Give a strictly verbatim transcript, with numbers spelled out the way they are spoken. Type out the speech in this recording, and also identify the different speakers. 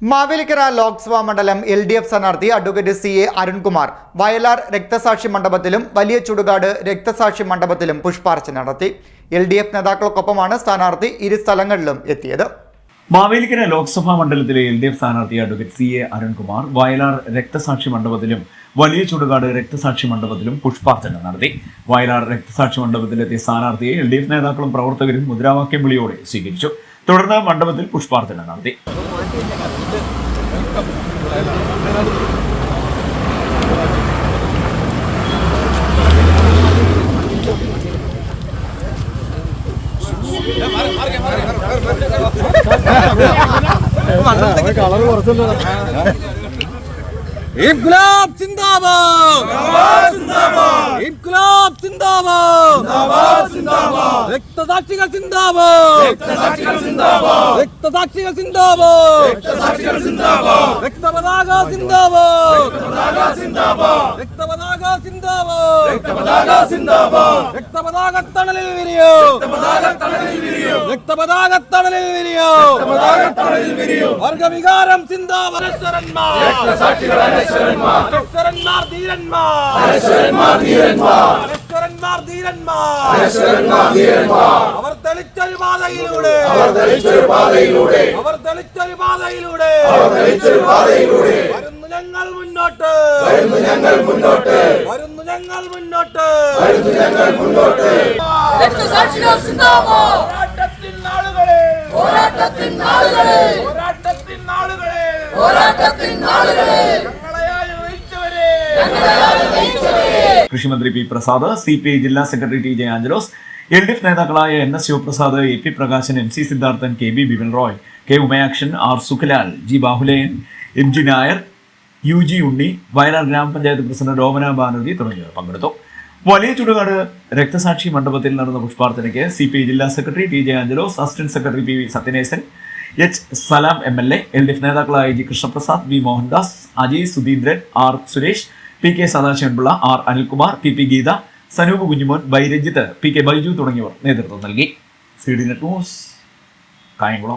Speaker 1: മാവേലിക്കര ലോക്സഭാ മണ്ഡലം L D F സ്ഥാനാർത്ഥി advocate C A Arunkumar Vayalar രക്തസാക്ഷി മണ്ഡപത്തിലും വലിയ ചുടുകാട് രക്തസാക്ഷി മണ്ഡപത്തിലും പുഷ്പാർച്ചന നടത്തി. എൽ ഡി എഫ് നേതാക്കൾക്കൊപ്പമാണ് സ്ഥാനാർത്ഥി ഇരു സ്ഥലങ്ങളിലും എത്തിയത്.
Speaker 2: മാവേലിക്കര ലോക്സഭാ മണ്ഡലത്തിലെ എൽ ഡി എഫ് സ്ഥാനാർത്ഥി advocate C A Arunkumar Vayalar രക്തസാക്ഷി മണ്ഡപത്തിലും വലിയ ചുടുകാട് രക്തസാക്ഷി മണ്ഡപത്തിലും പുഷ്പാർച്ചന നടത്തി. വയലാർ രക്തസാക്ഷി മണ്ഡപത്തിലെത്തിയ സ്ഥാനാർത്ഥിയെ എൽ ഡി എഫ് നേതാക്കളും പ്രവർത്തകരും മുദ്രാവാക്യം വിളിയോടെ സ്വീകരിച്ചു. തുടർന്ന് മണ്ഡപത്തിൽ പുഷ്പാർച്ചന നടത്തി.
Speaker 3: ഇൻക്ലാബ് സിന്ദാബാദ് ഇൻക്ലാബ് സിന്ദാബാദ് രക്തസാക്ഷികൾ സിന്ദാബാദ് രക്തസാക്ഷികൾ സിന്ദാബാദ് രക്തസാക്ഷികൾ സിന്ദാബാദ് രക്തപതാക സിന്ദാബാദ് രക്തപതാക സിന്ദാബാദ് രക്തപതാക സിന്ദാബാദ് രക്തപതാക തണലിൽ വിരിയോ രക്തപതാക തണലിൽ വിരിയോ വർഗവികാരം സിന്ദാബാദ് രക്തസാക്ഷികൾ അനശ്വരന്മാർ ധീരന്മാർ അനശ്വരന്മാർ ധീരന്മാർ അനശ്വരന്മാർ ധീരന്മാർ അവർ തെളിച്ചൊരു പാതയിലൂടെ അവർ തെളിച്ചൊരു പാതയിലൂടെ അവർ തെളിച്ചൊരു പാതയിലൂടെ അവർ തെളിച്ചൊരു പാതയിലൂടെ വരുന്നു ഞങ്ങൾ മുന്നോട്ട് വരുന്നു ഞങ്ങൾ മുന്നോട്ട് വരുന്നു ഞങ്ങൾ മുന്നോട്ട് വരുന്നു ഞങ്ങൾ മുന്നോട്ട് രക്തസാക്ഷികൾ സിന്ദാബാദ് പോരാട്ടത്തിൻ നാളുകളെ പോരാട്ടത്തിൻ നാളുകളെ പോരാട്ടത്തിൻ നാളുകളെ പോരാട്ടത്തിൻ നാളുകളെ
Speaker 2: കൃഷിമന്ത്രി P Prasad, C P I ജില്ലാ secretary T J Angelos, L D F നേതാക്കളായ N S Sivaprasad, A P Prakashan, M C Sidharthan, K B Bipin Roy, K Umayakshan, R Sukhalal, G Bahulayan, M G Nair, U G Unni, Wayanad ഗ്രാമപഞ്ചായത്ത് പ്രസിഡന്റ് രോമന ബാനർജി തുടങ്ങിയവർ പങ്കെടുത്തു. വലിയ ചുടുകാട് രക്തസാക്ഷി മണ്ഡപത്തിൽ നടന്ന പുഷ്പാർച്ചനയ്ക്ക് സി പി ഐ ജില്ലാ secretary T J Angelos, assistant secretary P V Sathyanesan, H Salam M L A, L D F നേതാക്കളായ G Krishnaprasad, V Mohandas, Ajay Sudheendran, R Suresh, P K Sadasivanpillai, R Anilkumar, P P Geetha, Sanoop Kunjumon, Biranjith, P K Baiju തുടങ്ങിയവർ നേതൃത്വം നൽകി. C D net news, Kayamkulam.